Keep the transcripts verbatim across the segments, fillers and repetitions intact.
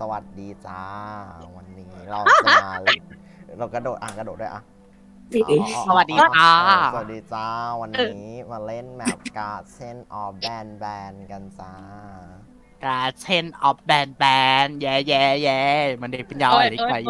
สวัสดีจ้าวันนี้เราจะมาเล่นเรากระโดดอ่ะกระโดดด้วยอ่ะสวัสดีจ้าสวัสดีจ้าวันนี้มาเล่นแมปการ์ดเช่นออฟแบนแบนกันจ้าการเช่นออฟแบนแบนแย่แย่แย่มันเด็กเป็นยาวอะไรไป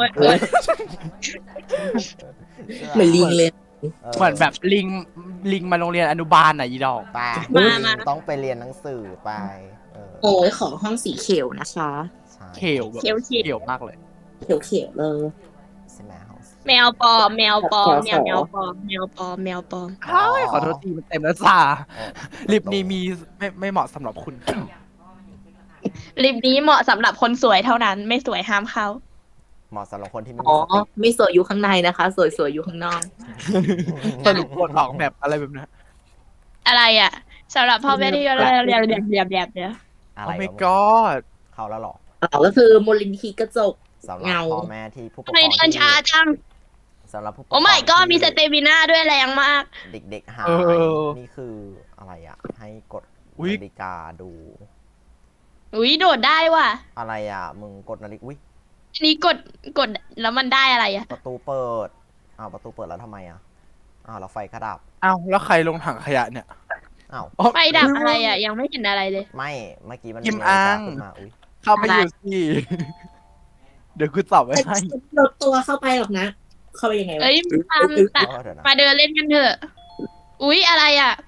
เหมือนลิงเลยเหมือนแบบลิงลิงมาโรงเรียนอนุบาลอ่ะยีดอกไปต้องไปเรียนหนังสือไปโอ้ยขอห้องสีเขียวนะคะเขียวแบบเขียวเขียวมากเลยเขียวเขียวเลยแมวปลอมแมวปลอมแมวแมวปลอมแมวปลอมแมวปลอมขอโทษทีมันเต็มแล้วจ้าลิปนี้มีไม่ไม่เหมาะสำหรับคุณลิปนี้เหมาะสำหรับคนสวยเท่านั้นไม่สวยห้ามเข้าเหมาะสำหรับคนที่ไม่อ๋อไม่สวยอยู่ข้างในนะคะสวยสวยอยู่ข้างนอกสรุปบทออกแบบอะไรแบบนี้อะไรอ่ะสำหรับพ่อแม่ที่เรียนเรียนเรียนเรียนเรียนเนี่ยอะไรโอ้ my god เข้าแล้วหรออ๋อก็คือมูลนิธิกระจกเงาพ่อแม่ที่ผู้ปกครองไม่เดินช้าจังสำหรับผู้ปกครองโอ้ไม่ก็มีสเตมิน่าด้วยแรงมากเด็กๆหายนี่คืออะไรอ่ะให้กดนาฬิกาดูอุ้ยโดดได้ว่ะอะไรอ่ะมึงกดนาฬิกาอุ้ยนี่กดกดแล้วมันได้อะไรอ่ะประตูเปิดอ้าวประตูเปิดแล้วทำไมอ่ะอ้าวเราไฟกระดับอ้าวแล้วใครลงถังขยะเนี่ยอ้าวไฟดับอะไรอ่ะยังไม่เห็นอะไรเลยไม่เมื่อกี้มันกิมอังเข้าไปอยู่สิเดี๋ยวคุณตอบไว้ให้ลดตัวเข้าไปหรอกนะเข้าไปยังไงวะเอ้ยมามาเดินเล่นกันเถอะอุ๊ยอะไรอ่ะ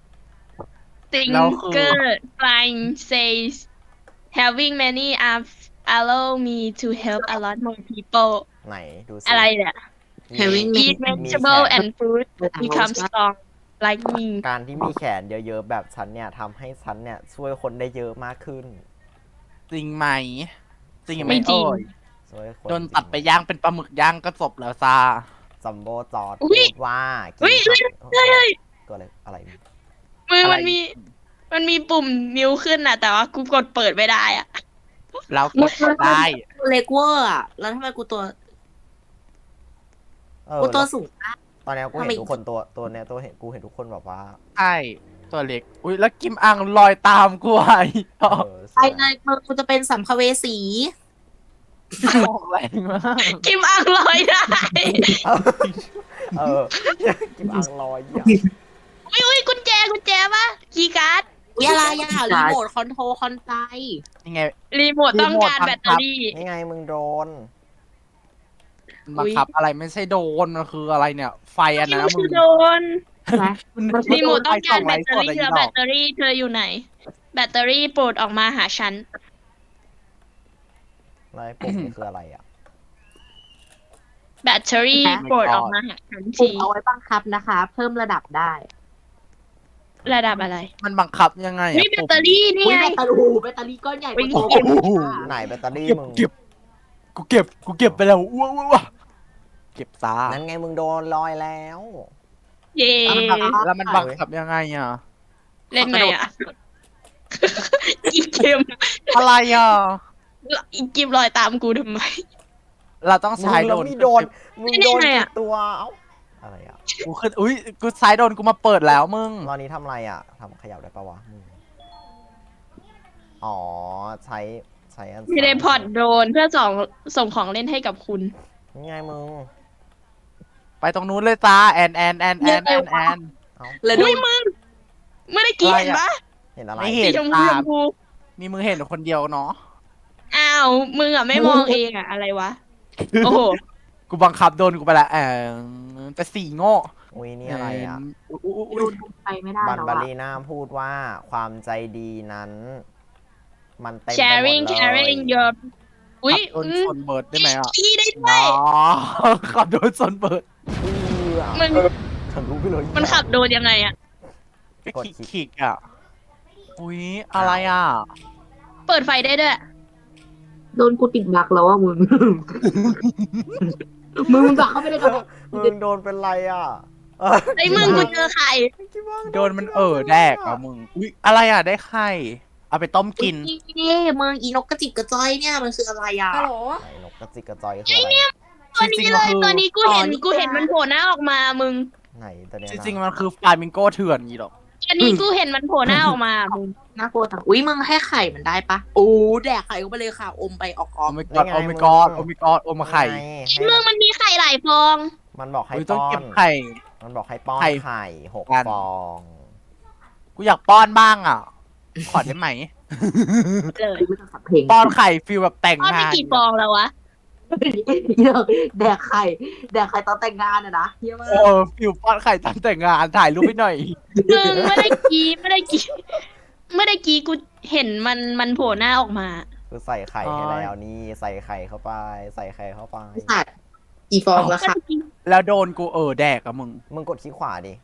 Thinker flying says having many arms allow me to help a lot more people ไหนดูสิอะไรเนี่ย having eat vegetable and fruit become strong like me การที่มีแขนเยอะๆแบบฉันเนี่ยทำให้ฉันเนี่ยช่วยคนได้เยอะมากขึ้นจริงไหมจริงไหมโอ้ยโดนตัดไปย่างเป็นปลาหมึกย่างก็จบแล้วจ้าซัมโบจอดพูดว่าอุ้ยเฮ้ยตัวอะไรอะไรมือมันมีมันมีปุ่มนิ้วขึ้นน่ะแต่ว่ากูกดเปิดไม่ได้อ่ะเรากดได้เล็กเวอร์อ่ะแล้วทำไมกูตัวกูตัวสูงตอนนี้กูเห็นทุกคนตัวตัวเนี้ยตัวเห็นกูเห็นทุกคนแบบว่าใช่ตัวเล็กอุ้ยแล้วกิมอังลอยตามกูไอ้ไปเลยมึงกูจะเป็นสัมภเวสีออกแรงมากกิมอังลอยได้เออกิมอังลอยอุ้ยอุ้ยกุญแจกุญแจปะคีย์การ์ดวิอะไรอ่ะรีโมทคอนโทรลคอนไซยังไงรีโมทต้องการแบตเตอรี่นี่ไงมึงโดนบังคับอะไรไม่ใช่โดนมันคืออะไรเนี่ยไฟอันนั้นมึงโดนรีโมทต้องการแบตเตอรี่เธอแบตเตอรี่เธออยู่ไหนแบตเตอรี่โปรดออกมาหาฉันอะไรปุ่มนี่คืออะไรอ่ะแบตเตอรี่โปรดออกมาหาฉันทีเอาไว้บังคับนะคะเพิ่มระดับได้ระดับอะไรมันบังคับยังไงนี่แบตเตอรี่นี่ไงแบตเตอรี่แบตเตอรี่ก้อนใหญ่กว่าไหนแบตเตอรี่มึงเก็บกูเก็บกูเก็บไปแล้วว้าวว้าเก็บตานั่นไงมึงโดนลอยแล้วเย่แล้วมันบังคับยังไงอ่ะเล่นไงอ่ะอีเกมอะไรอ่ะอีเกมลอยตามกูทำไมเราต้องใช้โดนมึงโดนมึงโดนตัวเอ้าอะไรอ่ะกูขึ้นอุ้ยกูใช้โดนกูมาเปิดแล้วมึงตอนนี้ทำอะไรอ่ะทำขยับได้ปะวะอ๋อใช้ใช้อันเทเลพอร์ตโดรนเพื่อส่งส่งของเล่นให้กับคุณนี่ไงมึงไปตรงนู้นเลยจ้าแอนแอนแอนแอนแอนแอนเลยด้วยมึงไม่ได้กี้เห็นปะเห็นอะไรไม่เห็นตามีมือเห็นคนเดียวเนาะอ้าวมึงอ่ะไม่มองเองอ่ะอะไรวะโอ้โหกูบังคับโดนกูไปละแอนแต่สี่โง่อุ้ยนี่อะไรอ่ะไปไม่ได้บันบารีน่าพูดว่าความใจดีนั้นมันเต็มไปหมดเลย sharing caring your อุ้ยโดนชนเบิร์ดได้ไหมอ่ะขี้ได้ด้วยขับโดนชนเบิร์ดมันฉันรู้ไปเลยมันขับโดนยังไงอ่ะกดคลิกอ่ะอุ้ยอะไรอ่ะเปิดไฟได้ด้วยโดนกูติดบักแล้วอ่ะมึงมึงมึงบักเข้าไปได้กับมึงโดนเป็นไรอ่ะไอ้มึงกูเจอไข่โดนมันเออแดกอ่ะมึงอุ้ยอะไรอ่ะได้ไข่เอาไปต้มกินนี่มึงอีนกกระจิบกระจ้อยเนี่ยมันคืออะไรอ่ะฮัลโหลนกกระจิบกระจ้อยคืออะไรเนี่ยตัวนี้เลยตัวนี้กูเห็นกูเห็นมันโผล่หน้าออกมามึงไหนตัวนี้จริงๆมันคือฟลามิงโกเถื่อนยี่หรอกอันนี้กูเห็นมันโผล่หน้าออกมามึงน่ากลัวจังอุ้ยมึงให้ไข่มันได้ปะโอ้แดกไข่เข้าไปเลยค่ะ อมไปออกอโออกมิกอดโอมิกอดโอมิกอดโอมาไข่ไงมึงมันมีไข่หลายฟองมันบอกให้อุ้ยต้องป้อเก็นบไข่มันบอกให้ป้อนไข่ไข่หกกันฟองกูอยากป้อนบ้างอ่ะ ขอได้ไหมเลยไม่ต้องสับเพลงป้อนไข่ฟิลแบบแต่งทอดไปงานกี่ฟองแล้ววะแดกไข่แดกไข่ตอนแต่งงานอะนะเฮียมากโอ้ฟิลป้อนไข่ตอนแต่งงานถ่ายรูปให้หน่อยมึงไม่ได้กี้ไม่ได้กี้ไม่ได้กี้กูเห็นมันมันโผล่หน้าออกมาคือใส่ไข่อ๋อให้แล้วนี่ใส่ไข่เข้าไป ใส่ไข่เข้าไปสัตว์กี่ฟองแล้วค่ะแล้วโดนกูเออแดกอะมึงมึงกดคลิกขวาดิ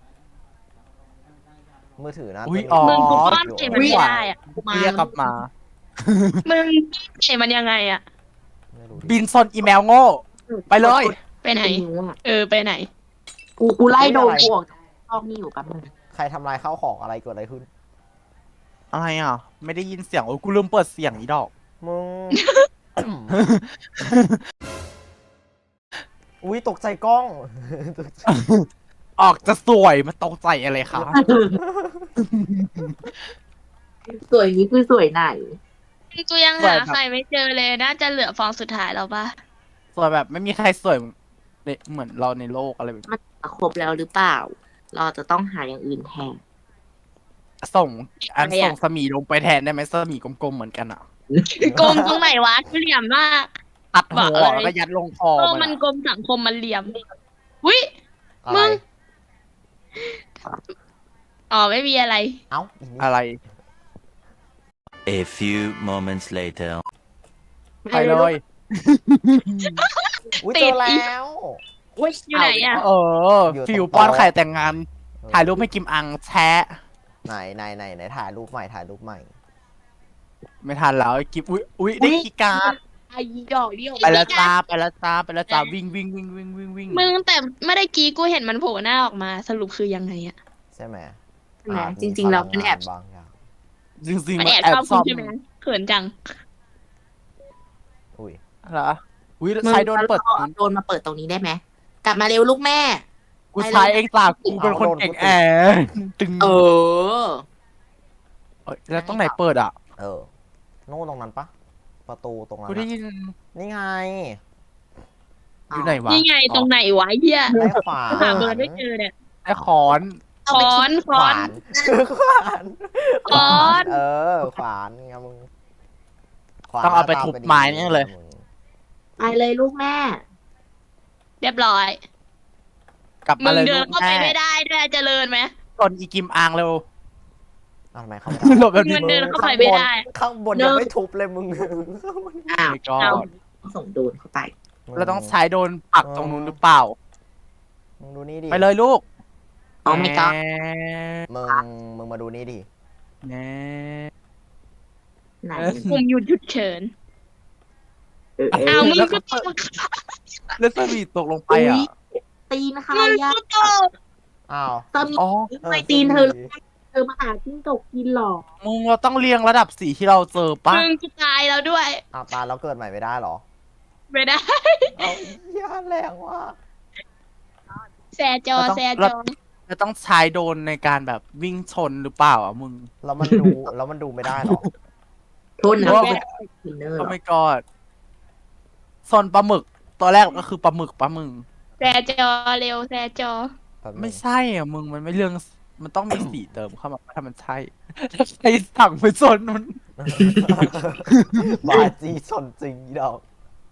มือถือนะอุ๊ยจะอ๋อมึงกูอป้อนไข่มันไม่ได้อะเรียกกลับมามึงไข่มันยังไงอะไม่รู้ดิบินซนอีเมลโง่ ไปเลยไปไหนไอ้นิ้วอะเออไปไหนกูกูไล่โดนกูออกจากห้องนี่อยู่แป๊บนึงใครทำลายข้าวของอะไรเกิดอะไรขึ้นอะไรอ่ะ ไม่ได้ยินเสียงโอ้ยกูลืมเปิดเสียงอีดอกมึง อุ้ยตกใจกล้อง ตกใจออกจะสวยมาตกใจอะไรคะสวยนี้คือสวยไหนกูยังหาไข่ไม่เจอเลยน่าจะเหลือฟองสุดท้ายแล้วปะสวยแบบไม่มีใครสวยเหมือนเราในโลกอะไรแบบมันจะครบแล้วหรือเปล่า เราจะต้องหาอย่างอื่นแทนส่งอันอะไรอะส่งสมีลงไปแทนได้ไหมสมีกลมๆเหมือนกันอ่ะกลมตรงไหนวะกูเหลี่ยมมากตัดหับอกวอะไรแล้วก็ยัดลงคอโลกมัมัน นอะกลมสังคมมันเหลี่ยมวิอะไรมึง อ๋อไม่มีอะไรเอ้าอีนี่อะไร A few moments later. ไปเลยอุ้ยติเจดออีกแล้วอยู่ไหนอะเอออยู่ตรงฟิวป้อนโต๊ะไข่แต่งงาน ถ่ายรูปให้กิมอังแชะไหนไหนไหนไหนถ่ายรูปใหม่ถ่ายรูปใหม่ไม่ทันแล้วไอ้กิฟอุ้ยอุ้ยได้คีย์การ์ดไอ้ดอกเดียวไปแล้วจ้าไปแล้วจ้าไปแล้วจ้าวิ่งวิ่งวิ่งวิ่งวิ่งวิ่งมึงแต่ไม่ได้กี้กูเห็นมันโผล่หน้าออกมาสรุปคือยังไงอะใช่ไหมใช่ไหมอาจริง ๆ เราเป็นแอบพลังงานบางอย่างจริงจริงมันมันแอบแอบชอบซ่กูอมใช่ไหมเขินจังอุ้ยเหรออุ้ยใช้โดนเปิดมึงโดนมาเปิดตรงนี้ได้ไหมกลับมาเร็วลูกแม่กูใช้เองจ้ากูเป็นคนเก่งแอบตึงเออเอ้ยแล้วตรงไหนเปิดอ่ะเออนู่นตรงนั้นปะประตูตรงนั้นกูได้อะยินนี่ไงอยู่ไหนวะนี่ไงตรงไหนวะเฮียได้ขวานหาเบอร์ไม่เจอเนี่ยไอ้ขอนคอนคขอวาน นขวานขวานเออขวานไงมึงขวนต้องเอาไปทุบไม้เนี่ยเลยมึงไปเลยลูกแม่เรียบร้อยกลับมึมาง เลยเดิลูนกเข้าไปแม่ไม่ได้ด้วยเจริญไหมตนอีกิมอังเร็วเอาทำไมเข้าไม่หลได้บแบบนี้มันเดินเข้าไปไม่ได้ข้างบนยังไม่ทุบเลยมึงอ้าวไม่ก็เอาส่งโดนเข้าไปเราต้องใช้โดนปักตรงนู้นหรือเปล่ามึงดูนี่ดิไปเลยลูกอ๋อไม่ก็แหมึงมึงมาดูนี่ดิแหน่ไหนปุ่มหยุดหยุดเฉินเออเออ้าอวมึงก็ตกแล้วสวีตกลงไปอ่ะตีนใครมึงอะก็ตกอ้าวเติมอ๋อไม่ตีนเธอเธอมาหาจิ้งจกกินหรอมึงเราต้องเรียงระดับสีที่เราเจอปะมึงจะตายแล้วด้วยอ้าวตายแล้วเกิดใหม่ไม่ได้เหรอไม่ได้เอาเหี้ยแรงว่ะแซจอแซจอเราต้องใช้โดนในการแบบวิ่งชนหรือเปล่าอ่ะมึงแล้วมันดูแล้วมันดูไม่ได้เหรอโทษนะว่าไม่ได้กินเนอร์หรก็อไม่กอดซนปลาหมึก ตัวแรกก็คือปลาหมึกปลามึงแซจอเร็วแซจอแป๊บนึงไม่ใช่อ่ะมึงมันไม่เรื่อง มันต้องมีสีเติมเข้ามาถ้ามันใช่ถ้าใครสั่งไปชนมันบาจีชนจริงอีดอก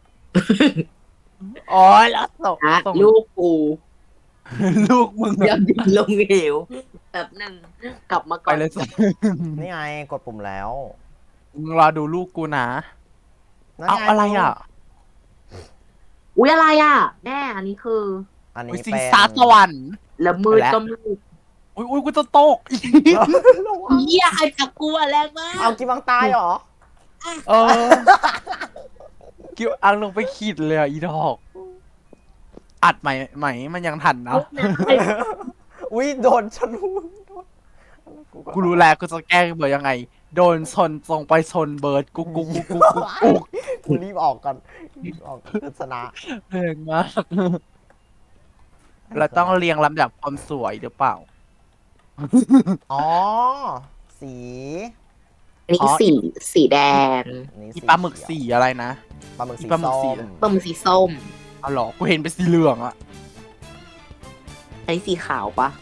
อ๋อแล้วส่งอ่ะส่งลูกกูลูกมึงอย่าดิ่งลงเหวแบบหนึ่งกลับมาไปก่อนเลยส่งนี่ไงกดปุ่มแล้วมึงรอดูลูกกูนะนั่นเอางอะไรอ่ะอุ้ยอะไรอ่ะแม่อันนี้คืออันนี้อุ้ยสิเป็งนสาสวรรค์ละมืดไปแล้วก็มืดอุ้ยอุ้ยกูจะตกระวังเหี้ยไอ้จักกลัวแรงมากเอากินบังตายเหรอเออกิ้วอังลงไปขีดเลยอ่ะอีดอก อัดใหม่ใหม่มันยังทันนะอุ้ยโดนชนหูกูรู้แล้วกูจะแกล้งเบิร์ดยังไง โดนชนตรงไปชนเบิร์ดกุ๊กกุ๊กกุ๊กกุ๊กกุ๊กกุ๊กกูรีบออกก่อนรีบออกโฆษณาแรงมากเราต้องเรียงลำดับความสวยหรือเปล่าอ๋อ สีอันนี้สีสีแดงอันนี้อีปลาหมึกเขีสียวอะไรนะปลาหมึกสีปลาหมึกสีส้มปลาหมึกสีส้มเอาหรอกูเห็นเป็นสีเหลืองอะอันนี้สีขาวปะ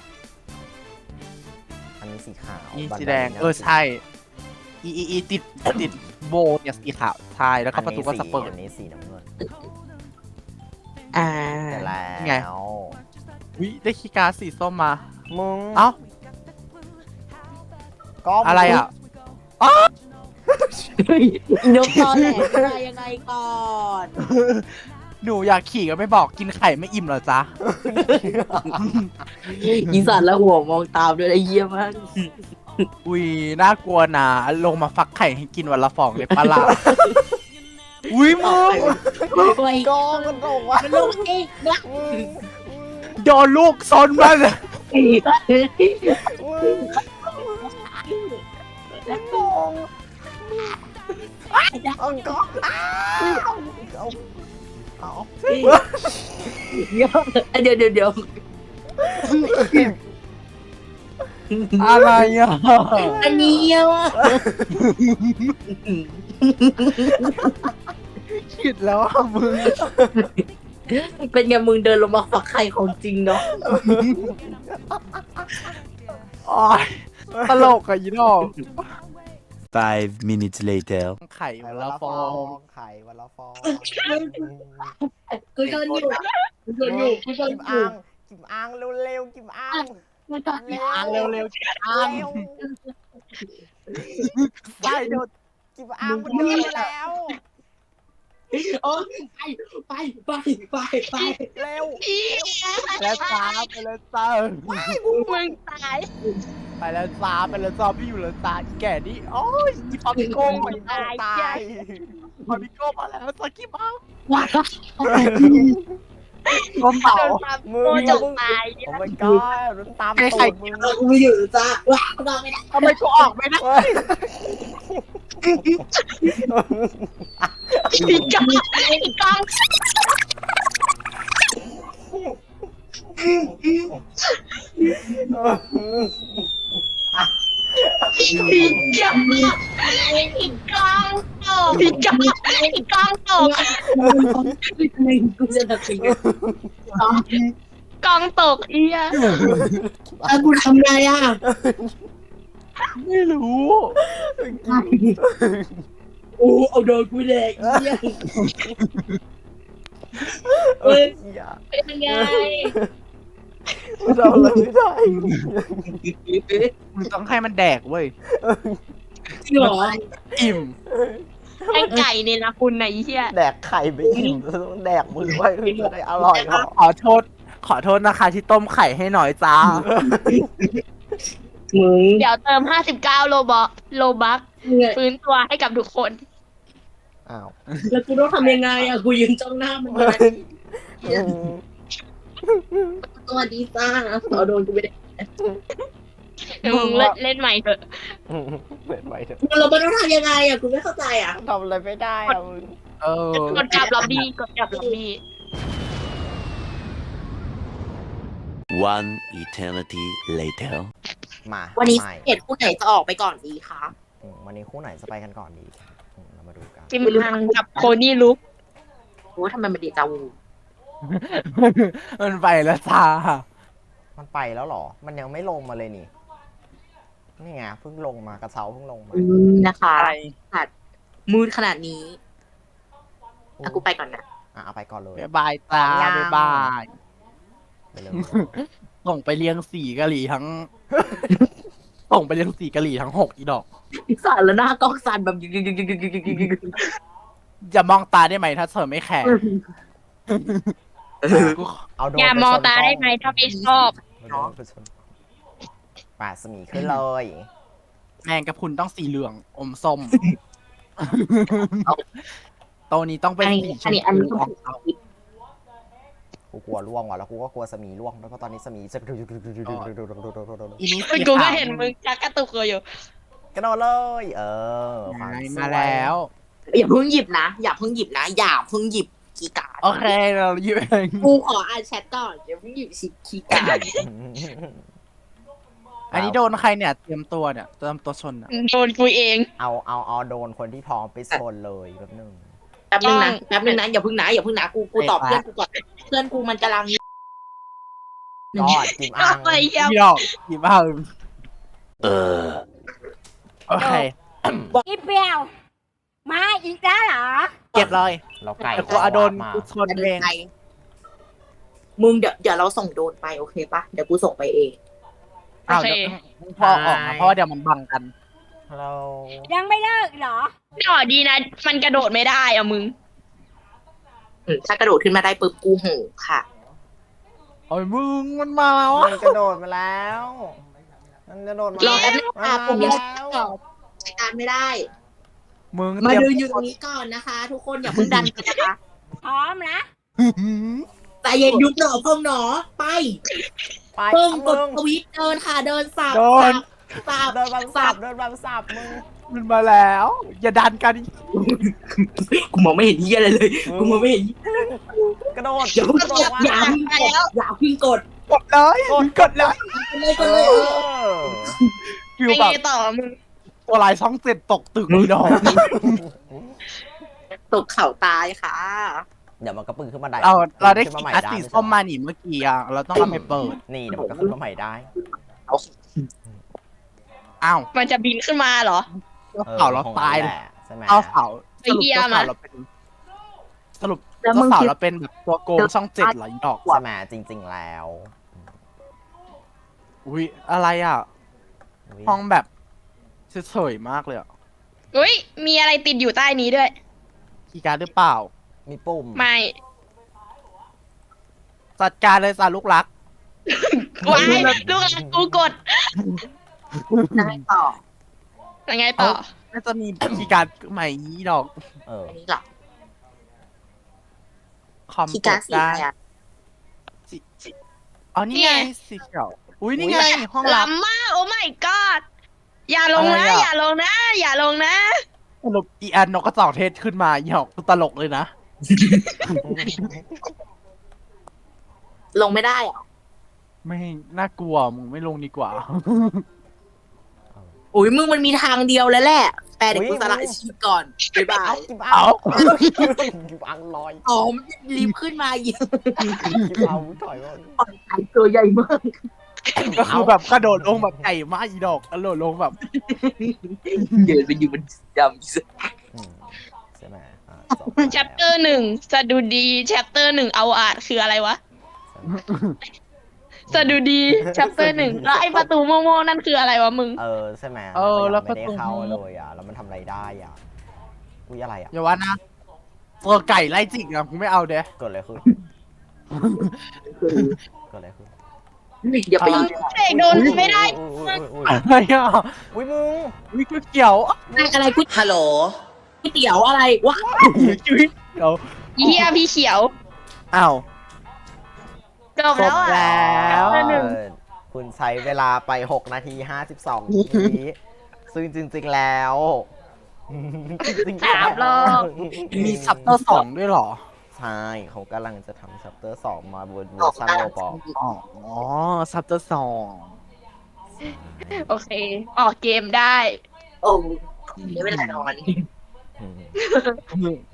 อันนี้สีขาวอีบันสีไดแดงนี่ยเออใช่อีอีอีติดติดโบเนี่ยสีขาวใช่แล้วก็ประตูก็สเปิดอันนี้สีน้ำเงินอ่าเสร็จแล้ไงววิได้คีย์การ์ดสีส้มมามึงเอ้าก็อะไรอ่ะนกตอแหลอะไรยังไงก่อนหนูอยากขี่ก็ไม่บอกกินไข่ไม่อิ่มเหรอจ๊ะอีสัตว์และหัวมองตามด้วยไอ้เยี่ยมากอุ้ยน่ากลัวนะลงมาฟักไข่ให้กินวันละฟองเลยปะล่ะ อุ้ยมึงไปก็มันตกว่ะมันลงเองนะมึงโดนลูกซนมันมึงเอาก็เอาเอาเอาเดี๋ยวเดี๋ยวเดี๋ยวอะไรอ่ะอันนี้ว่ะคิดแล้วอ่ะมึงเป็นไงมึงเดินลงมาฝักไข่ของจริงเนาะโอ๊ยตลกอะยีดอก Five minutes later. ไข่ไข่วันวันละละฟฟออง งไข่วันละฟองกูโดนอยู่กูโดนอยู่กูโดนกิมอยู่อ่างกิมอ่างเร็วๆกิมอ่างมันตอนนี้อ่างเร็วๆเร็อ่างวไปเดี๋ยวกิมอ่างมันเดินมาแล้วโอ้ไปไปไปไปไปเร็วแล้วจ้าไปแล้วจ้ามึงตายไปแล้วจ้าไปแล้วจ้าพี่อยู่แล้วจ้าอีแก่นี่โอ้ยอีปาปิโก้มาตายตายปาปิโก้มาแล้วสกิปเอาว้าก้มเป่าโดนตามมึโคงจกตายโอ้ my god มันตามตูดมึงกูไม่อยู่จ้าว้ากูนอนไม่ได้ทำไมกูออกไม่ได้เฮ้ยอีกาอีกาอีกาอีกาตกอีกาอีกาตกกูจะทำยังไงกองตกเอียอ่ะกูทำไงอ่ะไม่รู้โอ้เอาโดนกูแดกเยี่ยเอ้ยอย่าเป็นไงเราเลยไม่ได้มึงต้องให้มันแดกเว้ยจริงเหรออิ่มไอ้ไก่เนี่ยนะคุณไหนเฮียแดกไข่ไปอิ่มต้องแดกมือไว้เพื่อจะได้อร่อยหรอขอโทษ ขอโทษนะคะที่ต้มไข่ให้หน่อยจ้ามึงเดี๋ยวเติมห้าสิบเก้าโลบอโลบัคฟื้นตัวให้กับทุกคนอ้าวแล้วกูต้องทำยังไงอ่ะกูยืนจ้องหน้ามันเลยสวัสดีจ้าเอาโดนกูไปได้มึงเล่นเล่นใหม่เถอะเปิดไว้เถอะเราไม่ต้องทำยังไงอ่ะกูไม่เข้าใจอ่ะทำอะไรไม่ได้อะมึงเออกดกลับล็อบบี้กดกลับล็อบบี้ One eternity later. มาวันนี้ใหม่เอ็ดคู่ไหนจะออกไปก่อนดีคะอืมวันนี้คู่ไหนจะไปกันก่อนดีอืมเรามาดูกันจิมฮังกับโคนี่ลุกโอ้ทำไมมันเดจาวูมันไปแล้วจ้ามันไปแล้วเหรอ มันยังไม่ลงมาเลยนี่ นี่ไงเพิ่งลงมากระเช้าเพิ่งลงมาอืมนะคะอะไรขาดมืดขนาดนี้อ่ะกูไปก่อนนะอ่ะเอาไปก่อนเลยบ๊ายบายจ้ายังบ๊ายบายไปเลยส่งไปเลี้ยงสีกะหรี่ทั้ง ส่งไปเลี้ยงสีกะหรี่ทั้งหกอีดอกสั่นแล้วหน้ากล้องสั่นแบบยึกยึกยึกยึกยึกยึกยึกยึกยึกจะมองตาได้ไหมถ้าเธอไม่แคร์กูเอาโดรนอย่าไปมองชนตากล้ได้ไหมถ้าไม่ชอบเอาโดรนไปชนป่าดสมีขึ้นเลยแมงกะพรุนต้องสีเหลือง อมส้มโตวนี้ต้องเป็นสีชอันมนี้อันพูนี้ออกเอากูกลัวล่วงว่ะแล้วกูก็กลัวสมีล่วงแล้วก็ตอนนี้สมีจะอีนี้มึสีงกูก็ขาวเห็นมึงจักกระตุกอยู่กระโดดเลย เออความสวยมาแล้วอย่าเพิ่งหยิบนะ อย่าเพิ่งหยิบนะ อย่าเพิ่งหยิบคีย์การ์ดโอเคเราหยิบเองกูขออ่านแชทก่อนอย่าเพิ่งหยิบคีย์การ์ดอันนี้โดนใครเนี่ยเตรียมตัวเนี่ยเตรียมตัวชนอ่ะโดนกูเองเอาเอาเอาโดนคนที่พร้อมไปชนเลยแบบหนึ่งแป๊บนึงนะแป๊บนึงนะอย่าพึ่งนะอย่าพึ่งนะกูกูตอบเพื่อนกูก่อนเพื่อนกูมันกำลังก็จิมอังไปเหี้ยพี่ดอกหยิบบ้า Uh. โอเคอีเปรียว มาอีกแล้วเหรอเก็บเลยเราไก่แต่กูเอาโดนมากูชนจะเดิเอน งไปมึงเดี๋ยวเดี๋ยวเราส่งโดนไปโอเคปะเดี๋ยวกูส่งไปเองอ้าวเดี๋ยวพอออกมาเพราะว่าเดี๋ยวมันบังกันเรายังไม่เลิกเหรอหน่อดีนะ มันกระโดดไม่ได้อะมึงอืมถ้ากระโดดขึ้นมาได้ปุ๊บกูหูค่ะโอ้ยมึงมันมาแล้วมัอะนกระโดดมาแล้ว มันกระโดดมารอแป๊บนึงมาค่ะผมยังแล้วใช้การไม่ได้มึงมาเตรียมเดินอยู่ตรงนี้ก่อนนะคะ ทุกคนอย่าเพิ่งดันกันนะคะพร้อมนะใจเย็นยุบหนอพองหนอไปไปเพิ่งกมึดงทวิตเดินค่ะเดินสับโดนสับเดินบังสับเดินบังสับมึงมันมาแล้ว อย่าดันกันกูมองไม่เห็นที่อะไรเลย กูมองไม่เห็นกระโดดอย่าเพิ่งกระกโดดดอย่าเพิ่งกดอย่าเพิ่งกดกดเลยกดเลยเลยกเอดเลยเอออฟิวไอ้แบบไงต่อมึงตัวลายช่องเจ็ดตกตึกเลยดอกตกเข่าตายค่ะเดี๋ยวมันก็ปึ้งขึ้นมาได้เราเราได้ขึ้นขีมาใหม่อัดได้สีส้มมาหนิเมื่อกี้อ่ะเราต้องเอาไปเปิดนี่เดี๋ยวมันก็ขึ้นมาใหม่ได้อ้าวมันจะบินขึ้นมาเหรอเสาเราตายแหเลยละใช่ไหมเอาเสาไอ้สรุปเหี้ยตัวมาเสาเราเป็นสรุปแล้วตัวมึงเสาคิดเราเป็นแบบตัวโกงช่องเจ็ดเหรออีดอกใช่ไหมจริง ๆ แล้วอุ้ยอะไรอ่ะอุ๊ยห้องแบบเฉยๆมากเลยอ่ะอุ้ย มีอะไรติดอยู่ใต้นี้ด้วยคีย์การ์ดหรือเปล่ามีปุ่มไม่จัดการเลยจ้าลูกรักวายลูกรักกูกดได้ต่อยังไงต่อน่าจะมีคีย์การ์ดใหม่นี้ดอกเอออันนี้เหรอคอมคีย์กการ์ดดสีได้อะไรอะสีสีอ๋อนี่ไงเนี่ยสีเขียวอุ้ยนี่ไงห้องลับล้ำมาก โอ้ my god อย่าลงนะอะไรอะอย่าลงนะ อย่าลงนะสรุปอีอันนกกระจอกเทศขึ้นมาอีหอกตลกเลยนะลงไม่ได้เหรอไม่น่ากลัวมึงไม่ลงดีกว่าอุ้ยมึงมันมีทางเดียวแล้วแหละ แปลเด็กกูสละชีพก่อนบ๊ายบาเอายกิบเอาเอากิบอังลอยอ๋อมันรีบขึ้นมาเยอะกิบเอาถอยก่อนปล่อยไข่ตัวใหญ่มากก็คือแบบกระโดดลงแบบไก่มาอีดอกกระโดดลงแบบเดินไปอยู่มันดำอืมใช่ไหมอ่ะจบแล้ว chapter หนึ่งสะดุดี chapter หนึ่งเอาอาจคืออะไรวะ สะดุดี chapter หนึ่งแล้วไอ้ประตูโม่ๆนั่นคืออะไรวะมึงเออใช่ไหมเออแล้วมันก็ยังไม่ได้เข้าประตูเลยอ่ะแล้วมันทำอะไรได้อ่ะอุ้ยอะไรอ่ะอย่าว่านะตัวไก่ไล่จิกอะกูไม่เอาเด้เกิดอะไรขึ้นเกิดอะไรขึ้นอย่าไปเออเสกโดนไม่ได้อุ้ยอุ้ยอุ้ยอะไรอ่ะอุ้ยมึงวิก๋วยเตี๋ยวอะไรกูฮัลโหลก๋วยเตี๋ยวอะไรวะก๋วยเตี๋ยวเฮียพี่เขียวอ้าวจบแล้วจบแล้อ่ะว chapter หนึ่งเออคุณใช้เวลาไปหกนาทีห้าสิบสองวิซึ่งจริงๆแล้วจริงๆสามรอบมีซับเตอร์สองด้วยเหรอใช่เขากำลังจะทำชัปเตอร์สองมาบนเวอร์ชันโลบอกอ๋อซับเตอร์สองโอเค ออกเกมได้โอ้ไม่เป็นไรนอนอืม